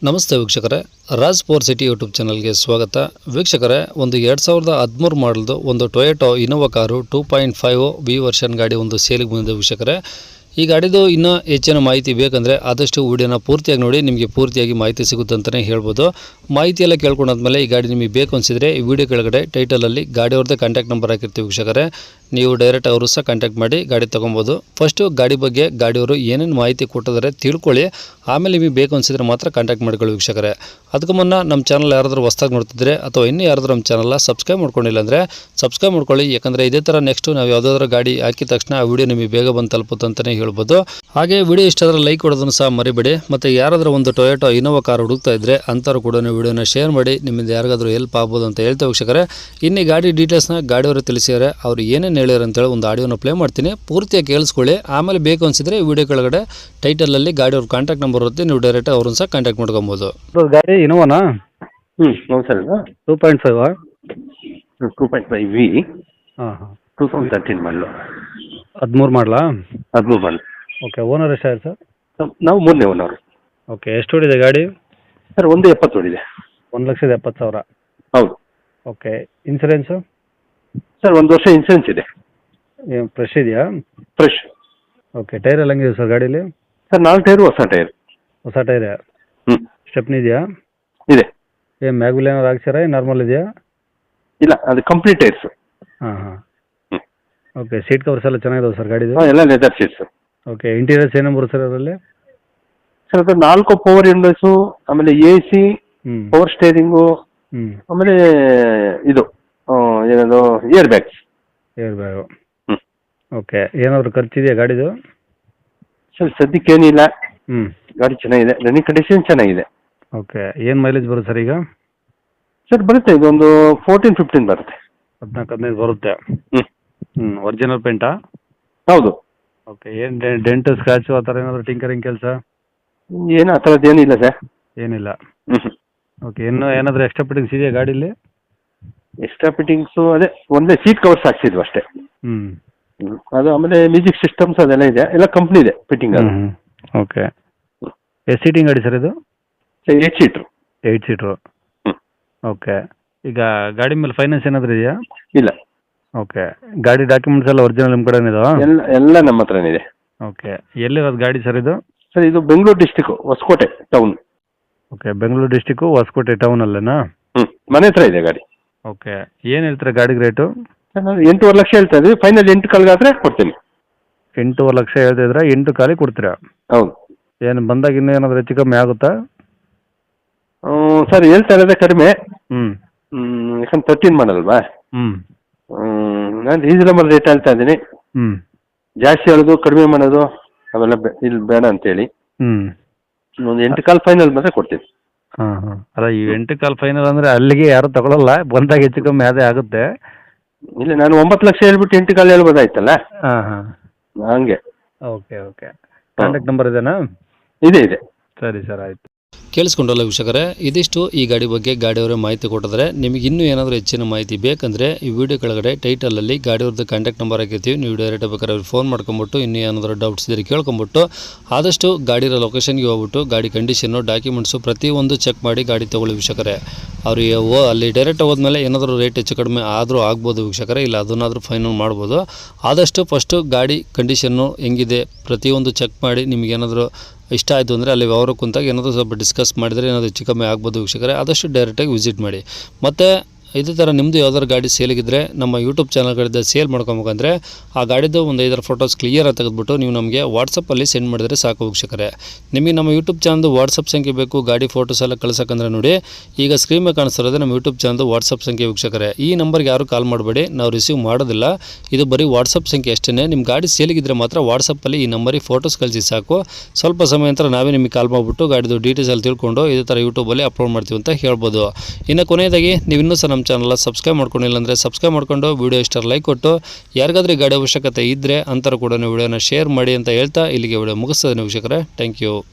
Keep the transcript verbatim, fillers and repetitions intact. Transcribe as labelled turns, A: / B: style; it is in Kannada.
A: ನಮಸ್ತೆ ವೀಕ್ಷಕರೇ, ರಾಜ್ ಫೋರ್ ಸಿಟಿ ಯೂಟ್ಯೂಬ್ ಚಾನಲ್ಗೆ ಸ್ವಾಗತ. ವೀಕ್ಷಕರೇ, ಒಂದು ಎರಡು ಸಾವಿರದ ಹದಿಮೂರು ಮಾಡಲ್ದು ಒಂದು Toyota Innova car two point five V version ಗಾಡಿ ಒಂದು ಸೇಲಿಗೆ ಬಂದಿದೆ ವೀಕ್ಷಕರೇ. ಈ ಗಾಡಿದು ಇನ್ನೂ ಹೆಚ್ಚಿನ ಮಾಹಿತಿ ಬೇಕಂದರೆ ಆದಷ್ಟು ವಿಡಿಯೋನ ಪೂರ್ತಿಯಾಗಿ ನೋಡಿ, ನಿಮಗೆ ಪೂರ್ತಿಯಾಗಿ ಮಾಹಿತಿ ಸಿಗುತ್ತೆ ಅಂತಲೇ ಹೇಳ್ಬೋದು. ಮಾಹಿತಿ ಎಲ್ಲ ಕೇಳ್ಕೊಂಡಾದ್ಮೇಲೆ ಈ ಗಾಡಿ ನಿಮಗೆ ಬೇಕು ಅನಿಸಿದರೆ ಈ ವಿಡಿಯೋ ಕೆಳಗಡೆ ಟೈಟಲಲ್ಲಿ ಗಾಡಿಯವ್ರದ್ದೇ ಕಾಂಟ್ಯಾಕ್ಟ್ ನಂಬರ್ ಹಾಕಿರ್ತೀವಿ ವೀಕ್ಷಕರೇ. ನೀವು ಡೈರೆಕ್ಟ್ ಅವರು ಸಹ ಕಾಂಟ್ಯಾಕ್ಟ್ ಮಾಡಿ ಗಾಡಿ ತೊಗೊಬೋದು. ಫಸ್ಟು ಗಾಡಿ ಬಗ್ಗೆ ಗಾಡಿಯವರು ಏನೇನು ಮಾಹಿತಿ ಕೊಟ್ಟಿದ್ದಾರೆ ತಿಳ್ಕೊಳ್ಳಿ, ಆಮೇಲೆ ನಿಮಗೆ ಬೇಕು ಅನಿಸಿದರೆ ಮಾತ್ರ ಕಾಂಟ್ಯಾಕ್ಟ್ ಮಾಡ್ಕೊಳ್ಳಿ ವೀಕ್ಷಕರೇ. ಅದಕ್ಕೂ ಮುನ್ನ ನಮ್ಮ ಚಾನಲ್ ಯಾರಾದರೂ ಹೊಸ್ದಾಗಿ ನೋಡ್ತಿದ್ರೆ ಅಥವಾ ಇನ್ನೂ ಯಾರಾದರೂ ನಮ್ಮ ಚಾನಲ್ನ ಸಬ್ಸ್ಕ್ರೈಬ್ ಮಾಡ್ಕೊಂಡಿಲ್ಲ ಅಂದರೆ ಸಬ್ಸ್ಕ್ರೈಬ್ ಮಾಡ್ಕೊಳ್ಳಿ. ಯಾಕಂದರೆ ಇದೇ ಥರ ನೆಕ್ಸ್ಟು ನಾವು ಯಾವುದಾದ್ರೂ ಗಾಡಿ ಹಾಕಿದ ತಕ್ಷಣ ಆ ವಿಡಿಯೋ ನಿಮಗೆ ಬೇಗ ಬಂದು ತಲುಪುತ್ತೆ ಅಂತಲೇ ಹೇಳ್ಬೋದು. ಹಾಗೆ ವಿಡಿಯೋ ಇಷ್ಟ ಆದರೆ ಲೈಕ್ ಕೊಡೋದನ್ನು ಸಹ ಮರಿಬೇಡಿ. ಮತ್ತು ಯಾರಾದರೂ ಒಂದು ಟೊಯೋಟೋ ಇನೋವಾ ಕಾರ್ ಹುಡುಕ್ತಾ ಇದ್ದರೆ ಅಂಥವ್ರು ಕೂಡ ವಿಡಿಯೋನ ಶೇರ್ ಮಾಡಿ, ನಿಮ್ಮಿಂದ ಯಾರಿಗಾದ್ರೂ ಹೆಲ್ಪ್ ಆಗ್ಬೋದು ಅಂತ ಹೇಳ್ತಾ ವೀಕ್ಷಕರೇ. ಇನ್ನು ಗಾಡಿ ಡೀಟೇಲ್ಸ್ನ ಗಾಡಿಯವರು ತಿಳಿಸಿದ್ದಾರೆ, ಅವ್ರು ಏನೇನು ಹೇಳ್ಯಾರ ಅಂತೇಳಿ ಒಂದು ಆಡಿಯೋನ ಪ್ಲೇ ಮಾಡ್ತೀನಿ, ಪೂರ್ತಿಯಾಗಿ ಕೇಳಿಸ್ಕೊಳ್ಳಿ. ಆಮೇಲೆ ಬೇಕು ಅನಿಸಿದರೆ ವಿಡಿಯೋ ಕೆಳಗಡೆ ಟೈಟಲಲ್ಲಿ ಗಾಡಿಯವ್ರ ಕಾಂಟ್ಯಾಕ್ಟ್ ನಂಬರ್ ಇರುತ್ತೆ, ನೀವು ಡೈರೆಕ್ಟ್ ಅವ್ರನ್ನ ಸಹ ಕಾಂಟ್ಯಾಕ್ಟ್ ಮಾಡ್ಕೊಬೋದು.
B: ಗಾಡಿ ಇನೋವಾನಾ?
C: ಹ್ಞೂ ಹೌದು sir.
B: Two point five
C: two point five V
B: ಹಾಂ ಹಾಂ
C: ಟೂ ತೌಸಂಡ್ ತರ್ಟೀನ್ ಮಾಡಲು.
B: ಹದಿಮೂರು ಮಾಡಲಾ?
C: ಹದಿಮೂರು ಮಾಡಲು.
B: ಓಕೆ. ಓನರ್ ಎಷ್ಟಾಯ್ತು ಸರ್?
C: ನಾವು ಮೂರನೇ ಓನರು.
B: ಓಕೆ. ಎಷ್ಟು ಹೊಡಿದೆ ಗಾಡಿ?
C: ಸರ್ ಒಂದು ಎಪ್ಪತ್ತು ಹೊಡಿದೆ.
B: ಒಂದು ಲಕ್ಷದ ಎಪ್ಪತ್ತು ಸಾವಿರ.
C: ಹೌದು.
B: ಓಕೆ. ಇನ್ಸೂರೆನ್ಸು?
C: ಸರ್ ಒಂದು ವರ್ಷ ಇನ್ಸೂರೆನ್ಸ್ ಇದೆ.
B: ಏನು ಫ್ರೆಶ್ ಇದೆಯಾ?
C: ಫ್ರೆಶ್.
B: ಓಕೆ. ಟೈರ್ ಎಲ್ಲ ಹಂಗಿದೆ ಸರ್ ಗಾಡೀಲಿ?
C: ಸರ್ ನಾಲ್ಕು ಟೈರು ಹೊಸ ಟೈರ್.
B: ಹೊಸ ಟೈರ್.
C: ಹ್ಞೂ.
B: ಸ್ಟೆಪ್ನಿ ಇದೆಯಾ?
C: ಇದೆ.
B: ಏನು ಮ್ಯಾಗುಲ್ ಏನಾದ್ರು ಹಾಕ್ಸಿರಾ, ನಾರ್ಮಲ್ ಇದೆಯಾ?
C: ಇಲ್ಲ, ಅದು ಕಂಪ್ಲೀಟ್ ಟೈರ್ಸು.
B: ಹಾಂ ಹಾಂ.
C: ಹ್ಞೂ.
B: ಓಕೆ. ಸೀಟ್ ಕವರ್ಸ್ ಎಲ್ಲ ಚೆನ್ನಾಗಿದಾವೆ ಸರ್ ಗಾಡಿದು?
C: ಹಾಂ, ಎಲ್ಲ ಲೆದರ್ ಸೀಟ್ಸು.
B: ಓಕೆ. ಇಂಟೀರಿಯರ್ಸ್ ಏನೇನು ಬರುತ್ತೆ ಸರ್ ಅದರಲ್ಲಿ?
C: ಸರ್ ಅದು ನಾಲ್ಕು ಪವರ್ ವಿಂಡೋಸು, ಆಮೇಲೆ ಎ ಸಿ,
B: ಹ್ಞೂ
C: ಪವರ್ ಸ್ಟೇರಿಂಗು,
B: ಹ್ಞೂ
C: ಆಮೇಲೆ ಇದು ಆ, ಏನದು ಏರ್ ಬ್ಯಾಗ್ಸ್.
B: Air bag.
C: ಹ್ಞೂ.
B: ಓಕೆ. ಏನಾದರೂ ಖರ್ಚಿದೆಯಾ ಗಾಡಿದು?
C: ಸರ್ ಸದ್ಯಕ್ಕೇನಿಲ್ಲ,
B: ಹ್ಞೂ.
C: ಗಾಡಿ ಚೆನ್ನಾಗಿದೆ, ರನ್ನಿಂಗ್ ಕಂಡೀಷನ್ ಚೆನ್ನಾಗಿದೆ.
B: ಓಕೆ. ಏನು ಮೈಲೇಜ್ ಬರುತ್ತೆ ಸರ್ ಈಗ?
C: ಸರ್ ಬರುತ್ತೆ, ಇದೊಂದು ಫೋರ್ಟೀನ್ ಫಿಫ್ಟೀನ್ ಬರುತ್ತೆ.
B: ಹದಿನಾಲ್ಕು ಹದಿನೈದು ಬರುತ್ತೆ.
C: ಹ್ಞೂ.
B: ಹ್ಞೂ. ಒರಿಜಿನಲ್ ಪೇಂಟಾ?
C: ಹೌದು.
B: ಓಕೆ. ಏನು ಡೆಂಟ್ ಸ್ಕ್ರಾಚು ಆ ಥರ ಏನಾದರೂ ಟಿಂಕರಿಂಗ್ ಕೆಲಸ?
C: ಏನು ಆ ಥರದ್ದು ಏನಿಲ್ಲ ಸರ್.
B: ಏನಿಲ್ಲ.
C: ಹ್ಞೂ ಹ್ಞೂ.
B: ಓಕೆ. ಇನ್ನೂ ಏನಾದರೂ ಎಕ್ಸ್ಟ್ರಾ ಫಿಟ್ಟಿಂಗ್ಸ್ ಇದೆಯಾ ಗಾಡೀಲಿ?
C: ಎಕ್ಸ್ಟ್ರಾ ಫಿಟ್ಟಿಂಗ್ಸು ಅದೇ ಒಂದೇ ಸೀಟ್ ಕವರ್ಸ್ ಹಾಕ್ಸಿದ್ವು ಅಷ್ಟೇ.
B: ಹ್ಞೂ.
C: ಹ್ಞೂ. ಅದು ಆಮೇಲೆ ಮ್ಯೂಸಿಕ್ ಸಿಸ್ಟಮ್ಸ್ ಅದೆಲ್ಲ ಇದೆ, ಎಲ್ಲ ಕಂಪ್ನಿ ಇದೆ ಫಿಟ್ಟಿಂಗ್. ಅದು
B: ಹ್ಞೂ. ಓಕೆ. ಎಷ್ಟು ಸೀಟಿಂಗ್ ಗಾಡಿ ಸರ್ ಇದು?
C: Sir eight seater.
B: Eight seater.
C: ಹ್ಞೂ.
B: ಓಕೆ. ಈಗ ಗಾಡಿ ಮೇಲೆ ಫೈನಾನ್ಸ್ ಏನಾದರೂ ಇದೆಯಾ?
C: ಇಲ್ಲ.
B: ಓಕೆ. ಗಾಡಿ ಡಾಕ್ಯುಮೆಂಟ್ಸ್ ಎಲ್ಲ ಒರಿಜಿನಲ್ ನಿಮ್ಮ ಕಡೆನೇ ಇದಾವಾ?
C: ಎಲ್ಲ ಎಲ್ಲ ನಮ್ಮ ಹತ್ರನೇ ಇದೆ.
B: ಓಕೆ. ಎಲ್ಲಿರೋದು ಗಾಡಿ ಸರ್ ಇದು?
C: ಸರ್ ಇದು Bengaluru district, Hosakote town.
B: Okay. Bengaluru district Hosakote ಟೌನಲ್ಲೇನಾ?
C: ಹ್ಞೂ, ಮನೆ ಹತ್ರ ಇದೆ ಗಾಡಿ.
B: ಓಕೆ. ಏನು ಹೇಳ್ತೀರಾ ಗಾಡಿಗೆ ರೇಟು?
C: ಸರ್ ನಾನು ಎಂಟೂವರೆ ಲಕ್ಷ ಹೇಳ್ತಾ ಇದ್ದೀವಿ, ಫೈನಲ್ ಎಂಟು ಕಲ್ಗಾದ್ರೆ ಕೊಡ್ತೀನಿ.
B: ಎಂಟೂವರೆ ಲಕ್ಷ ಹೇಳ್ತಿದ್ರೆ ಎಂಟು ಖಾಲಿ ಕೊಡ್ತೀರಾ?
C: ಹೌದು.
B: ಏನು ಬಂದಾಗ ಇನ್ನೂ ಏನಾದರೂ ಹೆಚ್ಚು ಕಮ್ಮಿ ಆಗುತ್ತಾ?
C: ಹ್ಞೂ ಸರ್, ಹೇಳ್ತಾ ಇರೋದೇ ಕಡಿಮೆ.
B: ಹ್ಞೂ
C: ಹ್ಞೂ, ಯಾಕಂದ್ರೆ ತರ್ಟೀನ್ ಮಾಡಲ್ವಾ.
B: ಹ್ಞೂ
C: ಹ್ಞೂ, ನಾನು ರೀಸನಬಲ್ ರೇಟ್ ಹೇಳ್ತಾ ಇದ್ದೀನಿ.
B: ಹ್ಞೂ
C: ಜಾಸ್ತಿ ಹೇಳೋದು ಕಡಿಮೆ ಮಾಡೋದು ಅವೆಲ್ಲ ಬೆ ಇಲ್ಲಿ ಬೇಡ ಅಂತೇಳಿ
B: ಹ್ಞೂ
C: ಒಂದು ಎಂಟು ಕಾಲ್ ಫೈನಲ್ ಬಂದರೆ ಕೊಡ್ತೀನಿ.
B: ಹಾಂ ಹಾಂ. ಅಲ್ಲ, ಈ ಎಂಟು ಕಾಲ್ ಫೈನಲ್ ಅಂದರೆ ಅಲ್ಲಿಗೆ ಯಾರು ತಗೊಳ್ಳಲ್ಲ, ಬಂದಾಗ ಹೆಚ್ಚು ಕಮ್ಮಿ ಅದೇ ಆಗುತ್ತೆ.
C: ಇಲ್ಲ, ನಾನು ಒಂಬತ್ತು ಲಕ್ಷ ಹೇಳ್ಬಿಟ್ಟು ಎಂಟು ಕಾಲ್ ಹೇಳ್ಬೋದಾಯ್ತಲ್ಲ.
B: ಹಾಂ ಹಾಂ.
C: ಹಂಗೆ.
B: Okay okay. ಕಾಂಟ್ಯಾಕ್ಟ್ ನಂಬರ್ ಇದೆನಾ?
C: ಇದೆ ಇದೆ.
B: ಸರಿ ಸರ್, ಆಯಿತು.
A: ಕೇಳಿಸ್ಕೊಂಡಲ್ಲ ವೀಕ್ಷಕರೇ, ಇದಿಷ್ಟು ಈ ಗಾಡಿ ಬಗ್ಗೆ ಗಾಡಿಯವರೇ ಮಾಹಿತಿ ಕೊಟ್ಟಿದ್ದಾರೆ. ನಿಮಗೆ ಇನ್ನೂ ಏನಾದರೂ ಹೆಚ್ಚಿನ ಮಾಹಿತಿ ಬೇಕಂದರೆ ಈ ವಿಡಿಯೋ ಕೆಳಗಡೆ ಟೈಟಲಲ್ಲಿ ಗಾಡಿಯವ್ರದ್ದು ಕಾಂಟ್ಯಾಕ್ಟ್ ನಂಬರ್ ಹಾಕಿರ್ತೀವಿ, ನೀವು ಡೈರೆಕ್ಟ್ ಬೇಕಾದ್ರೆ ಅವ್ರಿಗೆ ಫೋನ್ ಮಾಡ್ಕೊಂಬಿಟ್ಟು ಇನ್ನೂ ಏನಾದರೂ ಡೌಟ್ಸ್ ಇದ್ದರೆ ಕೇಳ್ಕೊಂಬಿಟ್ಟು ಆದಷ್ಟು ಗಾಡಿರೋ ಲೊಕೇಶನ್ಗೆ ಹೋಗ್ಬಿಟ್ಟು ಗಾಡಿ ಕಂಡೀಷನ್ನು, ಡಾಕ್ಯುಮೆಂಟ್ಸು ಪ್ರತಿಯೊಂದು ಚೆಕ್ ಮಾಡಿ ಗಾಡಿ ತೊಗೊಳ್ಳಿ ವೀಕ್ಷಕರೇ. ಅವ್ರಿಗೆ ಓ ಅಲ್ಲಿ ಡೈರೆಕ್ಟ್ ಹೋದ್ಮೇಲೆ ಏನಾದರೂ ರೇಟ್ ಹೆಚ್ಚು ಕಡಿಮೆ ಆದರೂ ಆಗ್ಬೋದು ವೀಕ್ಷಕರೇ, ಇಲ್ಲ ಅದನ್ನಾದರೂ ಫೈನಲ್ ಮಾಡ್ಬೋದು. ಆದಷ್ಟು ಫಸ್ಟು ಗಾಡಿ ಕಂಡೀಷನ್ನು ಹೆಂಗಿದೆ ಪ್ರತಿಯೊಂದು ಚೆಕ್ ಮಾಡಿ, ನಿಮಗೇನಾದರೂ ಇಷ್ಟ ಆಯಿತು ಅಂದರೆ ಅಲ್ಲಿ ವ್ಯವಹಾರ ಕುಂತಾಗ ಏನಾದರೂ ಸ್ವಲ್ಪ ಡಿಸ್ಕಸ್ ಮಾಡಿದರೆ ಏನಾದರೂ ಹೆಚ್ಚು ಕಮ್ಮಿ ಆಗ್ಬೋದು ವೀಕ್ಷಕರೇ. ಆದಷ್ಟು ಡೈರೆಕ್ಟಾಗಿ ವಿಸಿಟ್ ಮಾಡಿ. ಮತ್ತು ಇದೇ ಥರ ನಿಮ್ಮದು ಯಾವ್ದಾದ್ರು ಗಾಡಿ ಸೇಲಿಗಿದ್ರೆ ನಮ್ಮ ಯೂಟ್ಯೂಬ್ ಚಾನಲ್ಗಳಿಂದ ಸೇಲ್ ಮಾಡ್ಕೊಬೇಕಂದ್ರೆ ಆ ಗಾಡಿದು ಒಂದು ಐದಾರು ಫೋಟೋಸ್ ಕ್ಲಿಯರಾಗಿ ತೆಗೆದುಬಿಟ್ಟು ನೀವು ನಮಗೆ ವಾಟ್ಸಪ್ಪಲ್ಲಿ ಸೆಂಡ್ ಮಾಡಿದರೆ ಸಾಕು ವೀಕ್ಷಕರೇ. ನಿಮಗೆ ನಮ್ಮ ಯೂಟ್ಯೂಬ್ ಚಾನಲ್ದು ವಾಟ್ಸಪ್ ಸಂಖ್ಯೆ ಬೇಕು, ಗಾಡಿ ಫೋಟೋಸ್ ಎಲ್ಲ ಕಳ್ಸೋಕ್ಕಂದ್ರೆ ನೋಡಿ, ಈಗ ಸ್ಕ್ರೀನ್ ಮೇಲೆ ಕಾಣಿಸ್ತಿರೋದು ನಮ್ಮ ಯೂಟ್ಯೂಬ್ ಚಾನಲ್ದು ವಾಟ್ಸಪ್ ಸಂಖ್ಯೆ ವೀಕ್ಷಕರೇ. ಈ ನಂಬರ್ಗೆ ಯಾರು ಕಾಲ್ ಮಾಡಬೇಡಿ, ನಾವು ರಿಸೀವ್ ಮಾಡೋದಿಲ್ಲ, ಇದು ಬರೀ ವಾಟ್ಸಪ್ ಸಂಖ್ಯೆ ಅಷ್ಟೇ. ನಿಮ್ಮ ಗಾಡಿ ಸೇಲಿಗಿದ್ರೆ ಮಾತ್ರ ವಾಟ್ಸಪ್ಪಲ್ಲಿ ಈ ನಂಬರಿಗೆ ಫೋಟೋಸ್ ಕಳಿಸಿ ಸಾಕು. ಸ್ವಲ್ಪ ಸಮಯ ನಂತರ ನಾವೇ ನಿಮಗೆ ಕಾಲ್ ಮಾಡಿಬಿಟ್ಟು ಗಾಡಿದು ಡೀಟೇಲ್ಸ್ ಅಲ್ಲಿ ತಿಳ್ಕೊಂಡು ಇದೇ ಥರ ಯೂಟ್ಯೂಬಲ್ಲಿ ಅಪ್ಲೋಡ್ ಮಾಡ್ತೀವಿ ಅಂತ ಹೇಳ್ಬೋದು. ಇನ್ನು ಕೊನೆಯದಾಗಿ ನೀವು ಇನ್ನೂ ಸಹ ನಮ್ಮ ಚಾನಲ್ ಸಬ್ಸ್ಕ್ರೈಬ್ ಮಾಡ್ಕೊಂಡಿಲ್ಲ ಅಂದರೆ ಸಬ್ಸ್ಕ್ರೈಬ್ ಮಾಡ್ಕೊಂಡು ವಿಡಿಯೋ ಇಷ್ಟ ಲೈಕ್ ಕೊಟ್ಟು ಯಾರಿಗಾದ್ರೂ ಗಾಡಿ ಅವಶ್ಯಕತೆ ಇದ್ದರೆ ಅಂತರ ಕೂಡ ವಿಡಿಯೋನ ಶೇರ್ ಮಾಡಿ ಅಂತ ಹೇಳ್ತಾ ಇಲ್ಲಿಗೆ ವಿಡಿಯೋ ಮುಗಿಸ್ತದೆ ವೀಕ್ಷಕರೇ. Thank you.